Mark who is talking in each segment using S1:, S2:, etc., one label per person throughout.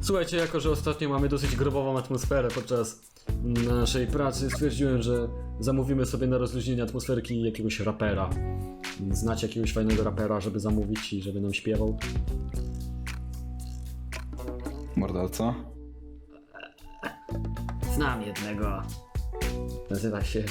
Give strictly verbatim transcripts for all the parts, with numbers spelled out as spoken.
S1: Słuchajcie, jako że ostatnio mamy dosyć grobową atmosferę podczas naszej pracy, stwierdziłem, że zamówimy sobie na rozluźnienie atmosferki jakiegoś rapera. Znacie jakiegoś fajnego rapera, żeby zamówić i żeby nam śpiewał?
S2: Morderca?
S1: Znam jednego. Nazywa się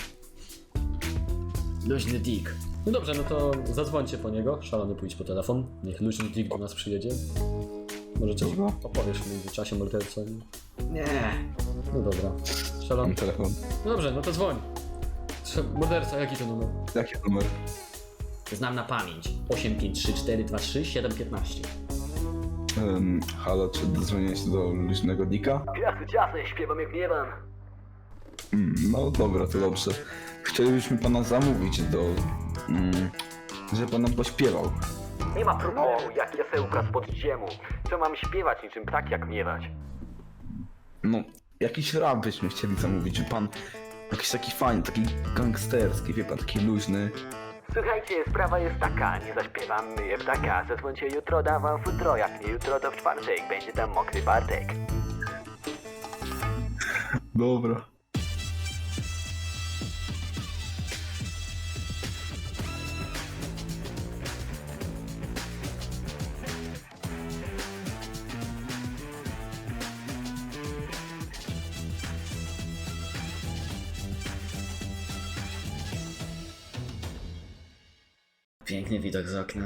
S1: Luźny Dick. No dobrze, no to zadzwońcie po niego. Szalony, pójdź po telefon. Niech Luźny Dick do nas przyjedzie. Może coś
S2: Dobra.
S1: opowiesz w międzyczasie morderca?
S3: Nie.
S1: No dobra. Szalony.
S2: Mam telefon.
S1: Dobrze, no to dzwoń. Trze- Morderca, jaki to numer?
S2: Jaki numer?
S1: Znam na pamięć. osiem pięć trzy cztery dwa trzy siedem jeden pięć.
S2: Um, halo, czy dodzwonię się do luźnego Dicka?
S3: Jasny, ciasny, śpiewam jak miewam.
S2: Mm, no dobra, to dobrze. Chcielibyśmy pana zamówić do... Mm, żeby pan nam pośpiewał.
S3: Nie ma problemu, jak jasełka spod ziemu. Co mam śpiewać niczym tak jak miewać?
S2: No, jakiś rap byśmy chcieli zamówić. Czy pan jakiś taki fajny, taki gangsterski, wie pan, taki luźny.
S3: Słuchajcie, sprawa jest taka, nie zaśpiewam, myję ptaka. Zadzwońcie jutro, dam wam futro, jak nie jutro to w czwartek. Będzie tam mokry Bartek.
S2: Dobra.
S1: Piękny widok z okna.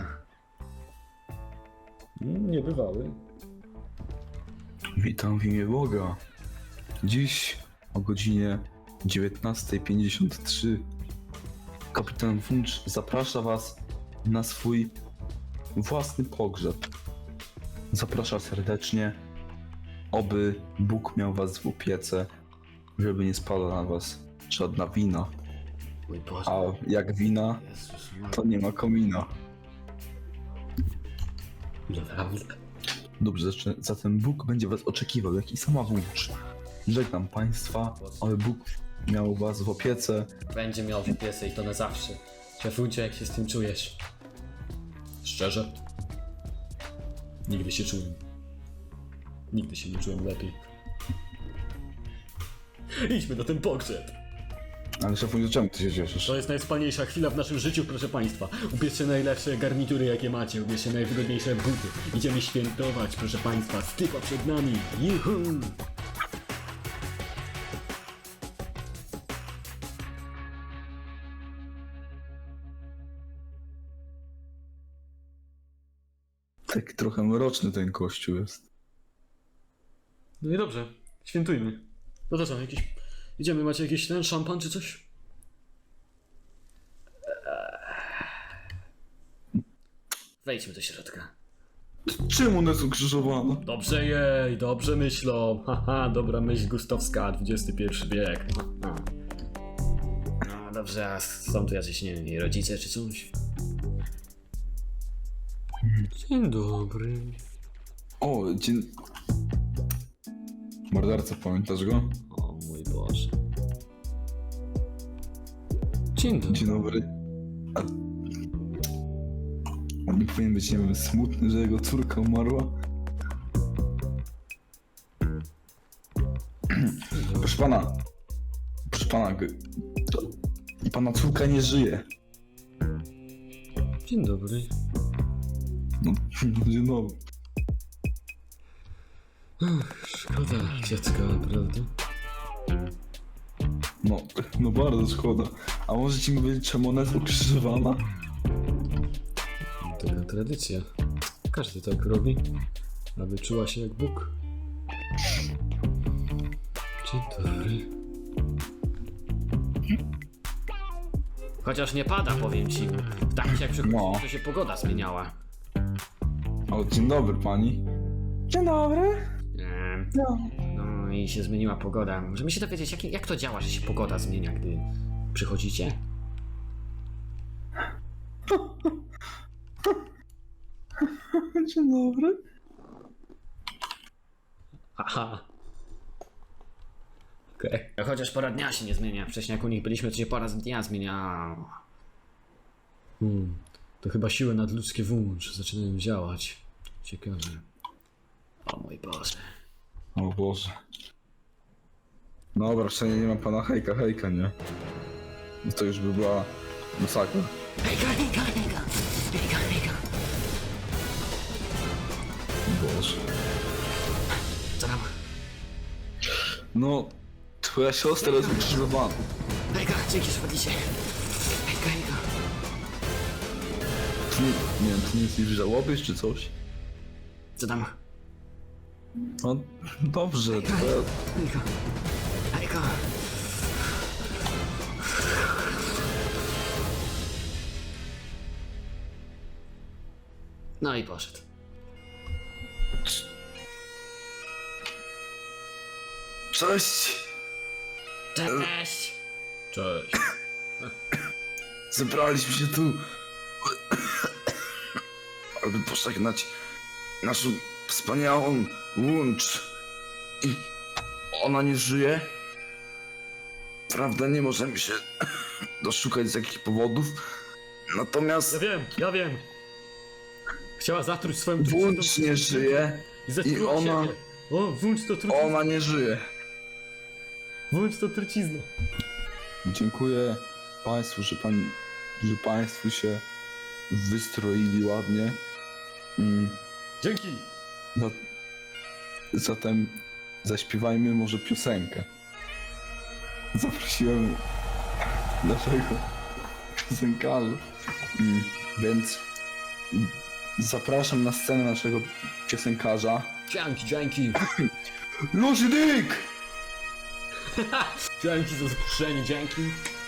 S1: Mm, Niebywały.
S2: Witam w imię Boga. Dziś o godzinie dziewiętnasta pięćdziesiąt trzy kapitan Funcz zaprasza was na swój własny pogrzeb. Zaprasza serdecznie, oby Bóg miał was w opiece, żeby nie spadła na was żadna wina.
S1: Mój Boże.
S2: A jak wina,
S1: Jezus,
S2: to nie ma komina.
S1: naprawdę.
S2: Dobrze, zaczę- zatem Bóg będzie was oczekiwał, jak i sama Funcz. Żegnam państwa, aby Bóg miał was w opiece.
S1: Będzie miał w piesę i to na zawsze. Szefuncie, jak się z tym czujesz? Szczerze? Nigdy się czułem. Nigdy się nie czułem lepiej. Idźmy na ten pogrzeb.
S2: Ale szefuję, czemu ty się cieszysz?
S1: To jest najwspanialsza chwila w naszym życiu, proszę państwa. Ubierzcie najlepsze garnitury, jakie macie. Ubierzcie najwygodniejsze buty. Idziemy świętować, proszę państwa. Stypa przed nami. Juhu!
S2: Tak trochę mroczny ten kościół jest.
S1: No i dobrze. Świętujmy. No to co, jakiś... Idziemy, macie jakiś ten szampan czy coś? Wejdźmy do środka.
S2: Czym one są krzyżowane?
S1: Dobrze jej, dobrze myślą. Haha, dobra myśl gustowska, dwudziesty pierwszy wiek. Haha. No dobrze, a są tu jacyś, nie wiem, jej rodzice czy coś? Dzień dobry.
S2: O, dzień... Morderca, pamiętasz go?
S1: O mój Boże. Dzień dobry.
S2: Dzień dobry. A... On nie powinien być, nie wiem, smutny, że jego córka umarła? Proszę pana. Proszę pana, g- to... pana córka nie żyje.
S1: Dzień dobry.
S2: No, dzień dobry.
S1: Szkoda dziecka, naprawdę.
S2: No, no bardzo szkoda. A możecie mi powiedzieć, czemu ona jest ukrzyżowana?
S1: Taka tradycja. Każdy tak robi, aby czuła się jak Bóg. Dzień dobry. Chociaż nie pada, powiem ci. Tak jak przychodzi,
S2: No.
S1: to się pogoda zmieniała.
S2: O, dzień dobry pani. Dzień dobry.
S1: Eee,
S2: No.
S1: no i się zmieniła pogoda. Możemy się dowiedzieć, jak, jak to działa, że się pogoda zmienia, gdy przychodzicie?
S2: Dzień dobry.
S1: Aha. Okej. Okay. Chociaż pora dnia się nie zmienia. Wcześniej jak u nich byliśmy, to się pora dnia zmienia. Hmm. To chyba siły nadludzkie włącz zaczynają działać. Ciekawe. O mój Boże.
S2: O Boże. Dobra, przynajmniej nie ma pana hejka, hejka, nie? No to już by była masakra.
S3: Hejka, hejka, hejka. Hejka, hejka.
S2: Boże.
S3: Co tam?
S2: No, twoja siostra jest ukrzyżowana.
S3: Hejka, dzięki, że wpadliście. Hejka, hejka.
S2: Ty nie, nie wiem, ty nie jesteś w żałobie czy coś?
S3: Co tam?
S2: No, dobrze, twoja...
S3: Hejka. Hejka. No i poszedł.
S2: Cześć!
S3: Cześć!
S1: Cześć.
S2: Zebraliśmy się tu, aby pożegnać naszą wspaniałą łącz. I ona nie żyje. Prawda, nie możemy się doszukać z jakich powodów. Natomiast
S1: Ja wiem, ja wiem. Chciała zatruć swoją
S2: Włącz nie żyje
S1: i zatruła
S2: i ona-
S1: siebie. O, włącz to trucizną.
S2: ona nie żyje.
S1: Włącz to trucizną.
S2: Dziękuję Państwu, że, pan, że Państwo się wystroili ładnie. Mm,
S1: Dzięki.
S2: za, zatem zaśpiewajmy może piosenkę. Zaprosiłem naszego piosenkarza. Mm, więc zapraszam na scenę naszego piosenkarza.
S1: Dzięki, dzięki.
S2: Lucy Dick!
S1: Dzięki za zaproszenie, dzięki.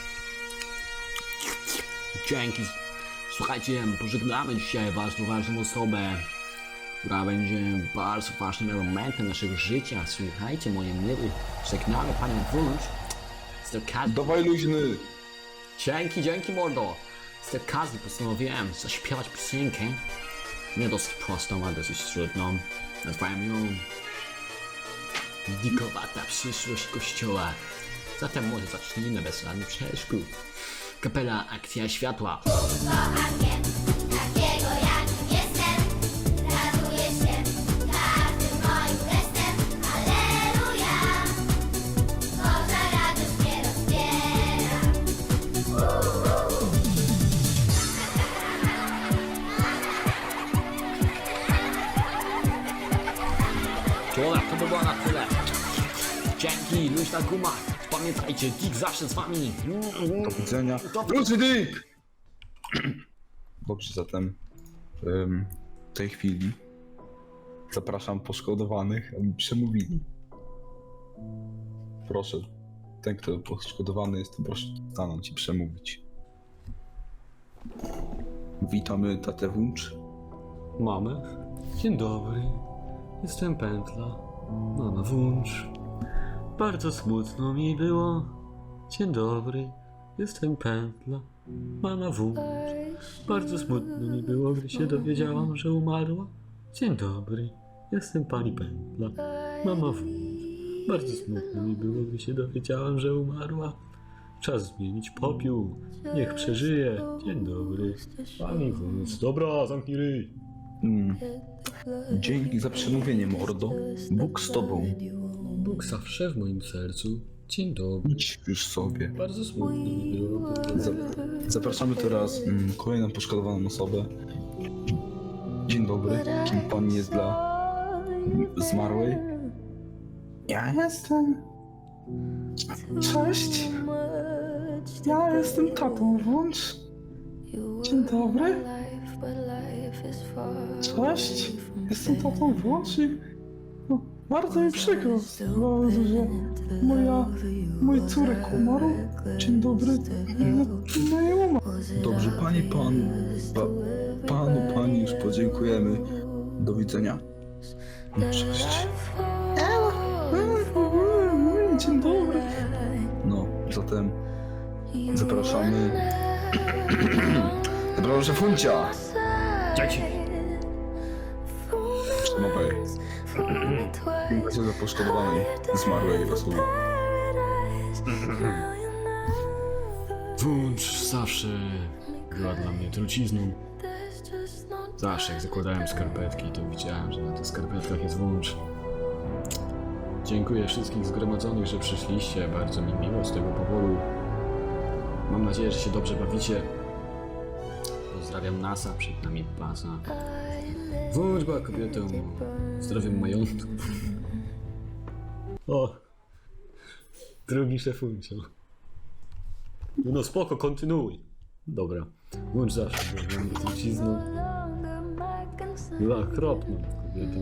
S3: Dzięki. Słuchajcie, pożegnamy dzisiaj ważną, ważną osobę, która będzie bardzo ważnym elementem naszego życia. Słuchajcie, moje miły, żegnamy panią Wójcz. Z tej okazji...
S2: Dawaj luźny!
S3: Dzięki, dzięki mordo. Z tej okazji postanowiłem zaśpiewać piosenkę. Nie dosyć prostą, a dosyć trudną. Nazwałem ją Dikowata przyszłość kościoła. Zatem może zacznijmy bez żadnych przeszkód. Kapela Akcja Światła.
S4: Takiego jakim jestem, raduję się każdym moim gestem. Alleluja, Boża radość mnie rozbiera.
S3: Człowiek, to by było na tyle. Dzięki, luźna guma. Pamiętajcie, Dick zawsze z wami.
S2: Do widzenia.
S3: Dobra.
S2: Lucy Dick! Dobrze, zatem em, w tej chwili zapraszam poszkodowanych, aby przemówili. Proszę, ten, kto poszkodowany jest, to proszę stanąć i przemówić. Witamy tatę Włącz.
S1: Mamy. Dzień dobry. Jestem Pętla. Mama Włącz. Bardzo smutno mi było. Dzień dobry. Jestem Pętla. Mama Włącz. Bardzo smutno mi było, gdy się dowiedziałam, że umarła. Dzień dobry. Jestem pani Pętla. Mama Włącz. Bardzo smutno mi było, gdy się dowiedziałam, że umarła. Czas zmienić popiół. Niech przeżyje. Dzień dobry. Pani Włącz. Dobra, zamknij ryj.
S2: Mm. Dzięki za przemówienie, mordo. Bóg z tobą.
S1: Bóg zawsze w moim sercu. Dzień dobry.
S2: Idź już sobie.
S1: Bardzo smutno mi było.
S2: Za- Zapraszamy teraz mm, kolejną poszkodowaną osobę. Dzień dobry. Kim pan jest dla zmarłej? Ja jestem. Cześć. Ja jestem tatą Włącz. Dzień dobry. Cześć. Jestem tatą Włącz i no, bardzo mi przykro, bardzo, że moja, mój córek umarł. Dzień dobry. No, no nie umarł. Dobrze, pani, pan, pa, panu, pani już podziękujemy. Do widzenia. Cześć. Dzień dobry. No, zatem zapraszamy. Zapraszam Funcia.
S1: Dzięki.
S2: Przemawiaj. Będzie za poszkodowanej, zmarłej osoby.
S1: Włącz zawsze była dla mnie trucizną. Zawsze jak zakładałem skarpetki, to widziałem, że na tych skarpetkach jest włącz. Dziękuję wszystkich zgromadzonych, że przyszliście. Bardzo mi miło z tego powodu. Mam nadzieję, że się dobrze bawicie. Pozdrawiam NASA, przed nami baza. Wróćba kobietą. Zdrowiem majątku. O! Drugi szefuncio. No spoko, kontynuuj. Dobra. Włącz zawsze, bo mam trucizną. Była okropną kobietą.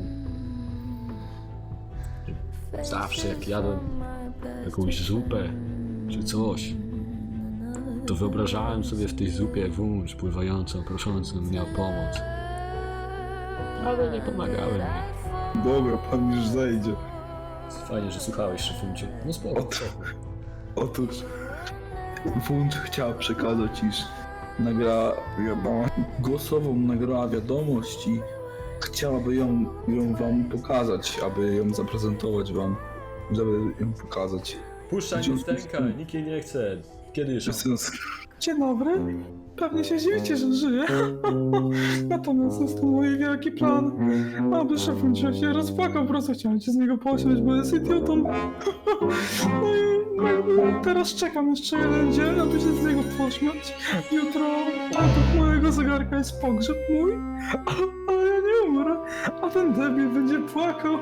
S1: Zawsze jak jadłem jakąś zupę czy coś, to wyobrażałem sobie w tej zupie wąż pływającą, proszącą mnie o pomoc. Ale nie pomagałem mi.
S2: Dobra, pan już zejdzie.
S1: Fajnie, że słuchałeś, szefunciu. No spoko,
S2: Ot-
S1: spoko.
S2: Otóż Wunsz chciał przekazać, iż nagrała wiadomość, głosową nagrała wiadomość i chciałaby ją, ją wam pokazać, aby ją zaprezentować wam, żeby ją pokazać.
S1: Puszczaj
S2: Dzień-
S1: lusterka, nikt jej nie chce. Kiedy już?
S5: Dzień dobry. Pewnie się dziwicie, że żyję. Natomiast jest to mój wielki plan. Aby szefuncio się rozpłakał, po prostu chciałem się z niego posiąść, bo jest idiotą. No i jakby teraz czekam jeszcze jeden dzień, aby się z niego pośmiać. Jutro według mojego zegarka jest pogrzeb mój, ale ja nie umrę, a ten debil będzie płakał.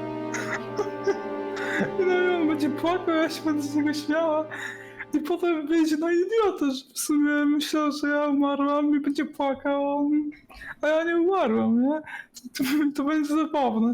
S5: I no i on będzie płakał, ja się będę z niego śmiała. I potem wyjdzie na idiotę, że w sumie myślał, że ja umarłam i będzie płakał, a ja nie umarłam, nie? To, to będzie zabawne.